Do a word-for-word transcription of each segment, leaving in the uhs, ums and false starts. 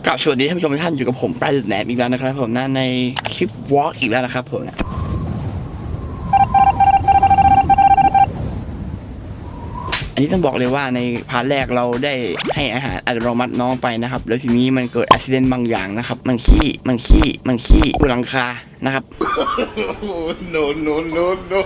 กลับสวัสดีท่านผู้ชมทุกท่านอยู่กับผมปลายแหนมอีกแล้วนะครับผมนะในคลิปวอล์กอีกแล้วนะครับผมนะอันนี้ต้องบอกเลยว่าในพาร์ทแรกเราได้ให้อาหารอัตโนมัติน้องไปนะครับแล้วทีนี้มันเกิดอุบิเหตุบางอย่างนะครับมันขี้มันขี้มันขี้บนหลังคานะครับ no no no no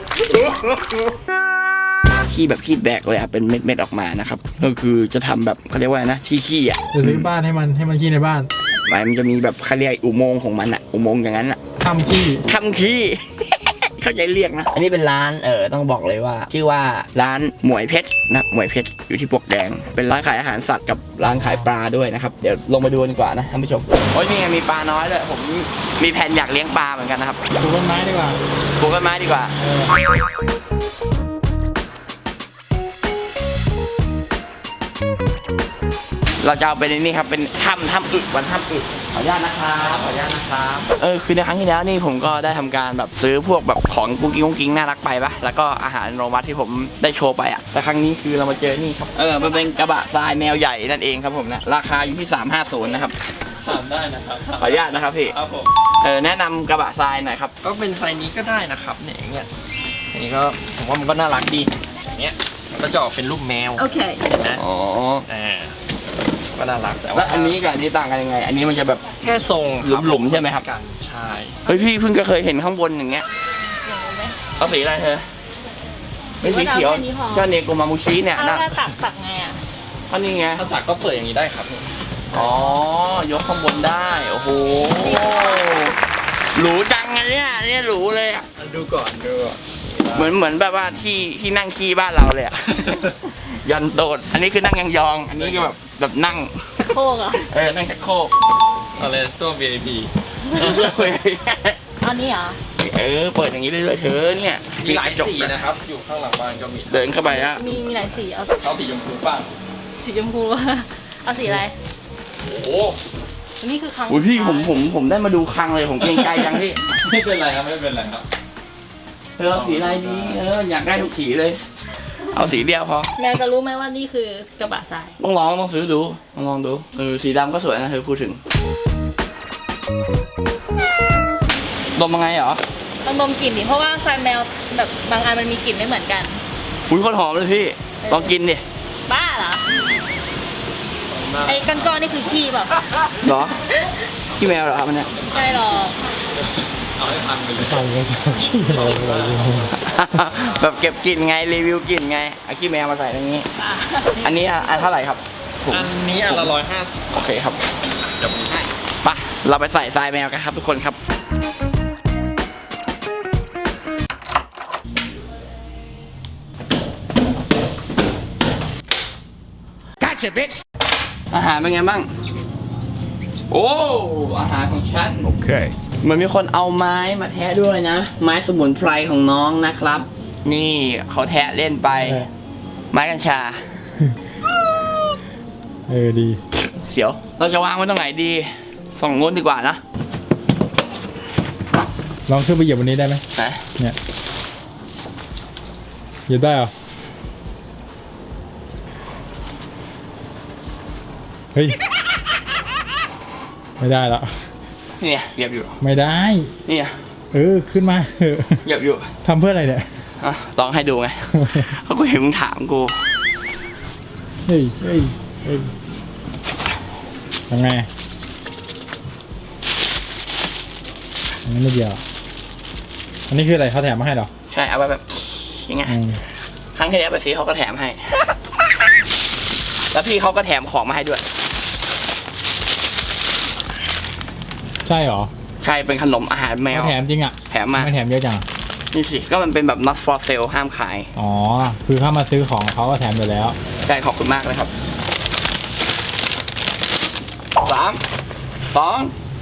ขี้แบบขี้แบกเลยครับเป็นเม็ดๆออกมานะครับก็คือจะทำแบบเขาเรียกว่านะขี้ขี้อ่ะจะซื้อบ้านให้มันให้มันขี้ในบ้านมันจะมีแบบเขาเรียกอุโมงค์ของมันอะอุโมงค์อย่างนั้นอะทำขี้ทำขี้ เข้าใจเรียกนะอันนี้เป็นร้านเออต้องบอกเลยว่าชื่อว่าร้านหมวยเพชรนะหมวยเพชรอยู่ที่ปลวกแดงเป็นร้านขายอาหารสัตว์กับร้านขายปลาด้วยนะครับเดี๋ยวลงมาดูดีกว่านะท่านผู้ชมโอ้ยนี่ไงมีปลาน้อยด้วยผมมีแผนอยากเลี้ยงปลาเหมือนกันนะครับปลูกต้นไม้ดีกว่าปลูกต้นไม้ดีกว่าเราจะเอาไปในนี่ครับเป็นถ้ำถ้ำอึวันถ้ำอึขออนุญาตนะครับขออนุญาตนะครับเออคือในครั้งที่แล้วนี่ผมก็ได้ทำการแบบซื้อพวกแบบของกุ้งกิ้งกุ้งกิ้งน่ารักไปปะแล้วก็อาหารโรมัสที่ผมได้โชว์ไปอ่ะแต่ครั้งนี้คือเรามาเจอนี่ครับเออมันเป็นกระบะทรายแมวใหญ่นั่นเองครับผมนะราคาอยู่ที่สามห้าศูนย์นะครับถามได้นะครับขออนุญาตนะครับพี่ครับผมเออแนะนำกระบะทรายหน่อยครับก็เป็นไซส์นี้ก็ได้นะครับเนี่ยอย่างเงี้ยอันนี้ก็ผมว่ามันก็น่ารักดีอย่างเงี้ยก็จะออกเป็นรูปแมวโอเคนะอ๋ออ่าก็น่ารักแต่ว่าแล้วอันนี้กับอันนี้ต่างกันยังไงอันนี้มันจะแบบแค่ทรงหลุมๆใช่ไหมครับกันใช่เฮ้ยพี่เพิ่งก็เคยเห็นข้างบนอย่างเงี้ยเอาสีอะไรเธอไม่สีเขียวก็เนโกมามูชิเนี่ยนะตักตักไงอ่ะก็นี่ไงถ้าตักก็เปิดอย่างนี้ได้ครับอ๋อยกข้างบนได้โอ้โหหรูจังไงเนี่ยเนี่ยหรูเลยอ่ะดูก่อนดูเหมือนเหมือนแบบว่าที่ที่นั่งขี้บ้านเราเลยอ่ะ ยันโดดอันนี้คือนั่งยองๆอันนี้คือแบบแบบนั่งโคกอ่ะเออนั่งโคกอะไรตัว วี ไอ พีอันนี้เหรอเออเปิดอย่างนี้เรื่อยๆเธอเนี่ยมีหลายสีนะครับอยู่ข้างหลังบ้านก็มีเดินเข้าไปอ่ะมีมีหลายสีเอาเอาสีชมพูป่ะสีชมพูเอาสีอะไรโอ้โหนี่คือครั้งอุ้ยพี่ผมผมผมได้มาดูครั้งเลยผมเกรงใจจังพี่ไม่เป็นไรครับไม่เป็นไรครับเธอเอาสีอะไรดีเอออยากได้ทุกสีเลยเอาสีเดียวพอแมวจะรู้ไหมว่านี่คือกระบะทรายต้องลองต้องซื้อดูต้องลองดูเออสีดำก็สวยนะเธอพูดถึงดมยังไงเหรอต้องดมกลิ่นดิเพราะว่าทรายแมวแบบบางอันมันมีกลิ่นไม่เหมือนกันอุ้ยโคตรหอมเลยพี่ลองกินดิบ้าเหรอไอ้ก้อนๆนี่คือขี้เปล่าเหรอขี้แมวเหรอครับมันเนี่ยใช่หรอเอาให้พันไปเลยฟังเลยขี้แมวอะไรแบบเก็บกลิ่นไงรีวิวกลิ่นไงเอาขี้แมวมาใส่ตรงนี้อันนี้อันเท่าไหร่ครับอันนี้อันละร้อยห้าสิบโอเคครับเดี๋ยวผมให้ไปเราไปใส่ทรายแมวกันครับทุกคนครับอาหารเป็นไงบ้างโอ้อาหารของฉันโอเคเหมือนมีคนเอาไม้มาแทะด้วยนะไม้สมุนไพรของน้องนะครับนี่เขาแทะเล่นไปไม้กัญชาเออดีเสียวเราจะวางไว้ตรงไหนดีส่องงนดีกว่านะลองขึ้นไปเหยียบวันนี้ได้ไหมนะเนี่ยเหยียบได้เหรอเฮ้ยไม่ได้ละเนี่ยเหยียบอยู่ไม่ได้เนี่ยเออขึ้นมาเหยียบอยู่ทำเพื่ออะไรเนี่ยอ่ะลองให้ดูไงเขาก็เห็นมึงถามกูเฮ้ยเฮ้ยเฮ้ยยังไงอันนี้ไม่เดียวอันนี้คืออะไรเขาแถมมาให้หรอใช่เอาไว้แบบยังไงครั้งที่แล้วไปซื้อเขาก็แถมให้แล้วพี่เขาก็แถมของมาให้ด้วยใช่หรอใช่เป็นขนมอาหารแมวแถมจริงอ่ะแถมมาไม่แถมเยอะจังนี่สิก็มันเป็นแบบ not for sale ห้ามขายอ๋อคือเข้ามาซื้อของเขาก็แถมอยู่แล้วใช่ขอบคุณมากเลยครับสามสอง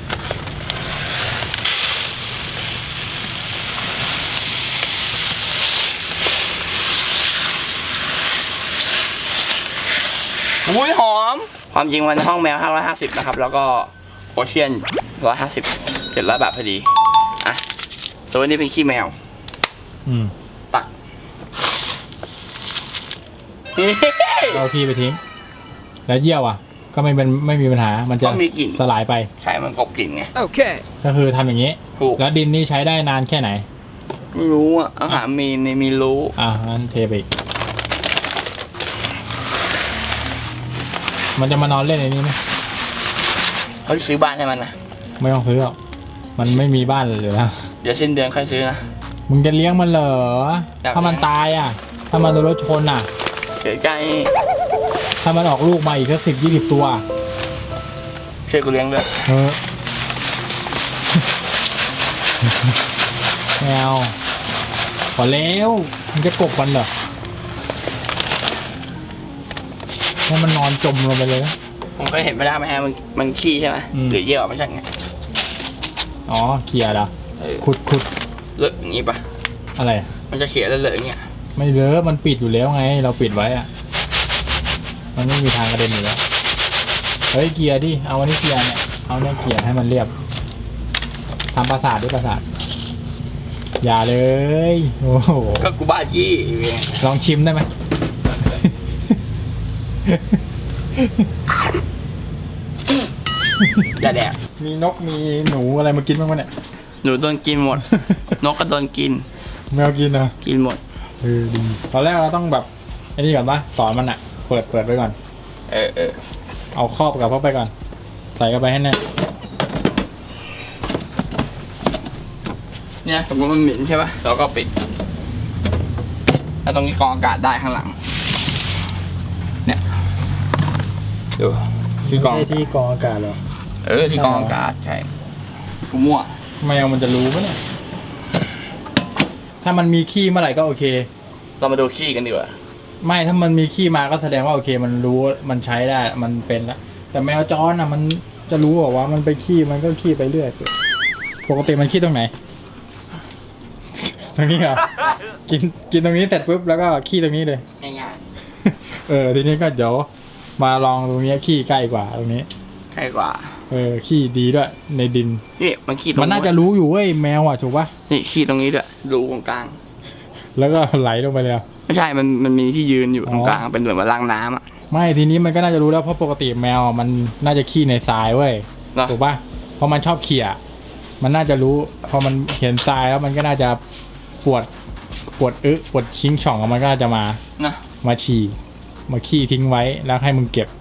อุ้ยหอมความจริงมันห้องแมวห้าร้อยห้าสิบนะครับแล้วก็โอเชียนหนึ่งร้อยห้าสิบ เจ็ดร้อยบาทพอดีอ่ะตัวนี้เป็นขี้แมวอืมตักเอาขี้ไปทิ้งแล้วเยี่ยวอ่ะก็ไม่เป็นไม่มีปัญหามันจะก็มีกลิ่นสลายไปใช่มันกลบกลิ่นไงก็คือทำอย่างนี้ถูกแล้วดินนี่ใช้ได้นานแค่ไหนไม่รู้อ่ะอาหารมีในมีรู้อ่ะงั้นเทไปอีกมันจะมานอนเล่นในนี้ไหมเขาซื้อบ้านให้มันนะไม่ต้องซื้อหรอกมันไม่มีบ้านเลยนะเดี๋ยวสิ้นเดือนค่อยซื้อนะมึงจะเลี้ยงมันเหรออยากเลี้ยงถ้ามันตายอ่ะ ถ้ามันโดนรถชนอ่ะเสียใจถ้ามันออกลูกมาอีกสักสิบยี่สิบตัวเชื่อกูเลี้ยงด้วยเออ แมวพอแล้วมันจะกบมันเหรอให้มันนอนจมลงไปเลยนะผมก็เห็นไม่ได้ไหมฮะมันมันขี้ใช่ไหมอืมหรือเยี่ยวไม่ใช่ไงอ๋อเขี่ยเหรอเออขุดขุดเลอะอย่างงี้ปะอะไรมันจะเขี่ยเลอะๆอย่างเงี้ยไม่เลอะมันปิดอยู่แล้วไง เราปิดไว้อะมันไม่มีทางกระเด็นอยู่แล้ว เฮ้ยเกียร์ดิ เอาอันนี้เกียร์เนี่ย เอาเนี่ยเกียร์ให้มันเรียบทำประสาทด้วยประสาท อย่าเลย โอ้โหก็กูบ้าจี้อยู่ไงลองชิมได้ไหมอย่าแดกมีนกมีหนูอะไรมากินบ้างวะเนี่ยหนูโดนกินหมด นกก็โดนกินแมวกินเหรอกินหมดเออดีตอนแรกเราต้องแบบไอ้นี่ก่อนปะสอนมันอะเปิดเปิดไว้ก่อนเออเออเอาครอบกับเข้าไปก่อน ใส่เข้าไปให้แน่นเนี่ยสมมติมันเหม็นใช่ปะเราก็ปิด แล้วตรงนี้กรองอากาศได้ข้างหลัง เนี่ยดูที่กรองใช่ที่กรองอากาศเหรอเออที่กรองอากาศใช่กูมั่วแมวมันจะรู้ปะเนี่ย ถ้ามันมีขี้เมื่อไหร่ก็โอเคเรามาดูขี้กันดีกว่าไม่ถ้ามันมีขี้มาก็แสดงว่าโอเค มันรู้มันใช้ได้มันเป็นละแต่แมวจรอ่ะมันจะรู้บอกว่ามันไปขี้มันก็ขี้ไปเรื่อยปกติมันขี้ตรงไหน ตรงนี้เหรอ กินกินตรงนี้เสร็จปุ๊บแล้วก็ขี้ตรงนี้เลยง่ายเออทีนี้ก็เดี๋ยวมาลองตรงนี้ขี้ใกล้กว่าตรงนี้ๆใช่กว่าเออขี้ดีด้วยในดินนี่มันขี้ตรงมันน่าจะรู้อยู่เว้ยแมวอ่ะถูกปะนี่ขี้ตรงนี้ด้วยรูตรงกลางแล้วก็ไหลลงไปเลยอะไม่ใช่ มันมันมีที่ยืนอยู่อ๋อตรงกลางเป็นเหมือนว่าล้างน้ำอ่ะไม่ทีนี้มันก็น่าจะรู้แล้วเพราะปกติแมวอะมันน่าจะขี้ในทรายเว้ยเหรอถูกปะเพราะมันชอบเขี่ยมันน่าจะรู้พอมันเห็นทรายแล้วมันก็น่าจะปวดปวดอึปวดชิงช่องมันก็น่าจะมานะมาฉี่มาขี้ทิ้งไว้แล้วให้มึงเก็บ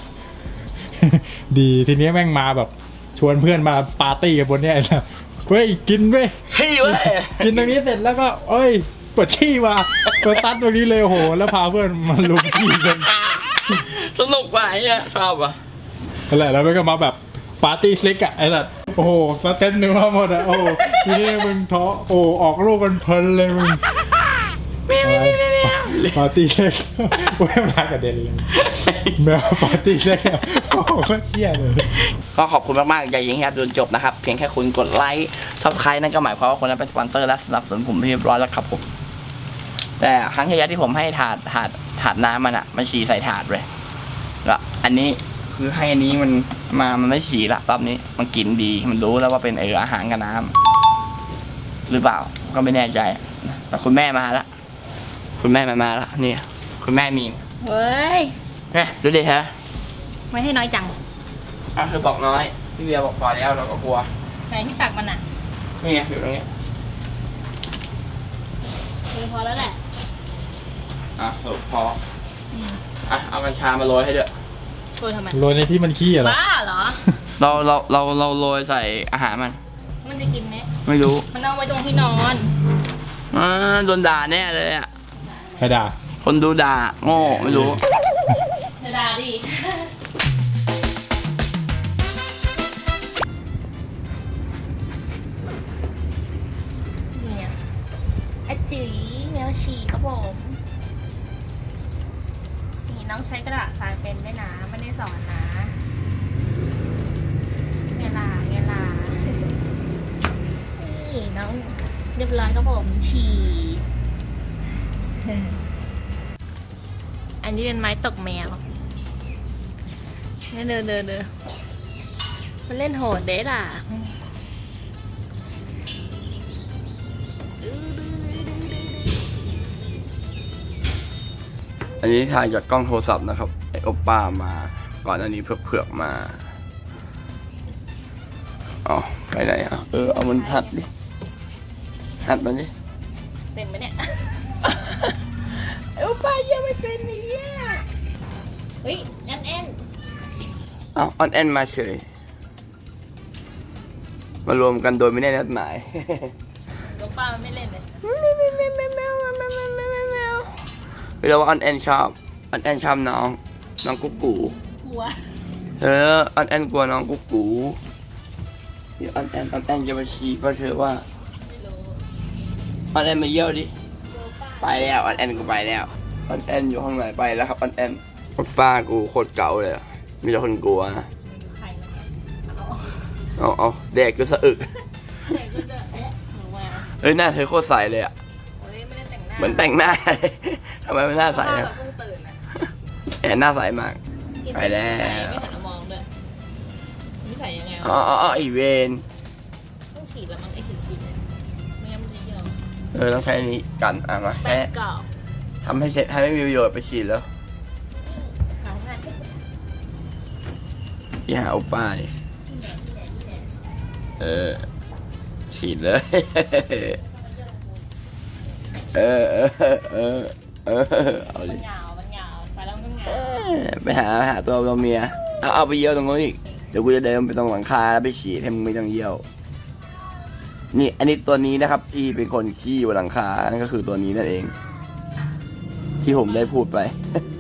ดีทีนี้แม่งมาแบบ ชวนเพื่อนมาปาร์ตี้กันบนเนี้ยนะเฮ้ยกินเว้ยขี้เว้ยกินตรงนี้เสร็จแล้วก็เอ้ยปวดขี้มาตัวตัดตรงนี้เลยโหแล้วพาเพื่อนมาลุมขี้กันสนุกว่ะไอ้เนี่ยชอบว่ะนั่นแหละแล้วมันก็มาแบบปาร์ตี้สเล็กอะไอ้สัตว์โอ้โหสเต็นเนื้อหมดอะโอ้โหทีนี้มึงท้อโอ้ออกลูกกันเพลินเลยมึงปาร์ตี้เล็กโอ้ยมากระเด็นเลยแมวปาร์ตี้เล็กอะโอ้โหก็เที่ยเลยก็ขอบคุณมากๆอย่ายิงให้ครับจนจบนะครับ เพียงแค่คุณกดไลค์ซับสไครต์นั่นก็หมายความว่าคนนั้นเป็นสปอนเซอร์และสนับสนุนผมเรียบร้อยแล้วครับผม แต่ครั้งที่แล้วที่ผมให้ถาดถาดถาดน้ำมันอะมันฉี่ใส่ถาดเลยแล้วอันนี้คือให้อันนี้มันมามันไม่ฉี่ละรอบนี้มันกินดีมันรู้แล้วว่าเป็นเอออาหารกับน้ำหรือเปล่าก็ไม่แน่ใจแต่คุณแม่มาละคุณแม่มามาละนี่คุณแม่มีเฮ้ยเนี่ยดูดิเธอไม่ให้น้อยจังอ่ะคือบอกน้อยพี่เบียร์บอกพอแล้วเราก็กลัวไหนที่ตักมันอ่ะนี่ไงอยู่ตรงนี้คือพอแล้วแหละอ่ะสรุปพออ่ะเอากัญชามาโรยให้ด้วยโกยทำไมโรยในที่มันขี้อะเหรอบ้าเหรอเราเราเราเราโรยใส่อาหารมันมันจะกินไหมไม่รู้มันเอาไว้ตรงที่นอนอ่าโดนด่าแน่เลยอ่ะใครด่าคนดูด่าโง่ไม่รู้เดี๋ยวด่าดิเนี่ยไอจีแมวฉี่ครับผมนี่น้องใช้กระดาษทรายเป็นด้วยนะไม่ได้สอนนะเงล่ะเงล่ะนี่น้องเรียบร้อยครับผมฉี่ อันนี้เป็นไม้ตกแมวเนี่ยเดินเดินเดินมันเล่นโหดเด้ล่ะอันนี้ถ่ายจากกล้องโทรศัพท์นะครับไอโอป้ามาก่อนอันนี้เผือกๆมาอ๋อไปไหนอ่ะเออเอามันหัดดิหัดมันดิเป็นไหมเนี่ย เออป้ายังไม่เป็นเนี่ยเฮ้ยแอนแอนเอาออนแอนมาเฉยมารวมกันโดยไม่ได้นัดหมายลูกป้ามันไม่เล่นเลยเวลาว่าออนแอนชอบออนแอนชอบน้องน้องกุ๊กกูกลัวเออออนแอนกลัวน้องกุ๊กกูเดี๋ยวออนแอนออนแอนจะมาชี้เพราะเธอว่าไม่รู้ออนแอนมาเยี่ยวดิลูกป้าไปแล้วออนแอนกูไปแล้วออนแอนอยู่ห้องไหนไปแล้วครับออนแอนป้ากูโคตรเก่าเลยอะมีแต่คนกลัวนะใครนะเอาเอาเอาแดกกูสะอึกเด็กก็จะเอ๊ะหนูมาเอ้ยหน้าเธอโคตรใสเลยอะเฮ้ยไม่ได้แต่งหน้าเหมือนแต่งหน้า ทำไมมันหน้าใสป้าอะแบบเพิ่งตื่นอ่ะแอนหน้าใสมากกินไปแล้วไม่หันมามองด้วยนี่ใส่ยังไงอ๋อวะอ๋ออ๋อไอเวนต้องฉีดแล้วมั้งไอ้ฉีดฉีดเนี่ยไม่งั้นมันจะเยอะเออต้องใช้อันนี้กันอ่ะมาแป้แค่งกรอบทำให้เสร็จให้ไม่มีประโยชน์ไปฉีดแล้วหาง่ายที่สุดอย่าเอาป้าดินี่แหละนี่แหละเออฉีดเลย เออเออเออเออเอามัดินเหงามันเหงาไปแล้วมันก็เหงาเออไปหาไปหาตัวตัวเมียเอาเอาไปเยี่ยวตรงนู้นอีกเดี๋ยวกูจะเดินไปตรงหลังคาแล้วไปฉีดให้มึงไม่ต้องเยี่ยวนี่อันนี้ตัวนี้นะครับที่เป็นคนขี้บนหลังคานั่นก็คือตัวนี้นั่นเอง ที่ผมได้พูดไป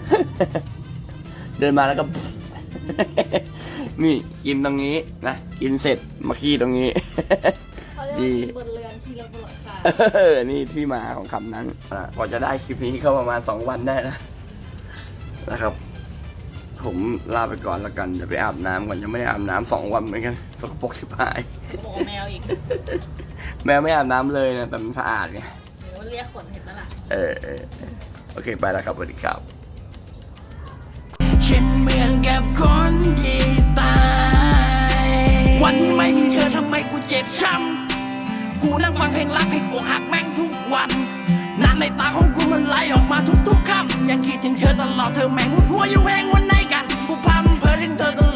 เดินมาแล้วก็ นี่กินตรงนี้นะกินเสร็จมาขี้ตรงนี้เขาเรียกดีว่าบนเรือนที่เราบนหลังคาเออนี่ที่มาของคำนั้นอ่ะพอจะได้คลิปนี้ก็ประมาณสองวันได้นะนะครับ ผมลาไปก่อนแล้วกันเดี๋ยวไปอาบน้ำก่อนยังไม่ได้อาบน้ำสองวันเหมือนกันสกปรกชิบหายบอกแมวอีกแมวไม่อาบน้ำเลยนะแต่มันสะอาดไงหรือว่าเรียกขนเห็นแล้วล่ะเออเออเออโอเคไปแล้วครับสวัสดีครับฉันเหมือนกับคนที่ตาย วันที่ไม่มีเธอทำไมกูเจ็บช้ำกูนั่งฟังเพลงรักเพลงอกหักแม่งทุกวันน้ำในตาของกูมันไหลออกมาทุกๆคำยังคิดถึงเธอตลอดเธอแม่งหัวอยู่แหงวันไหนกันกูพำเพอถึงเธอต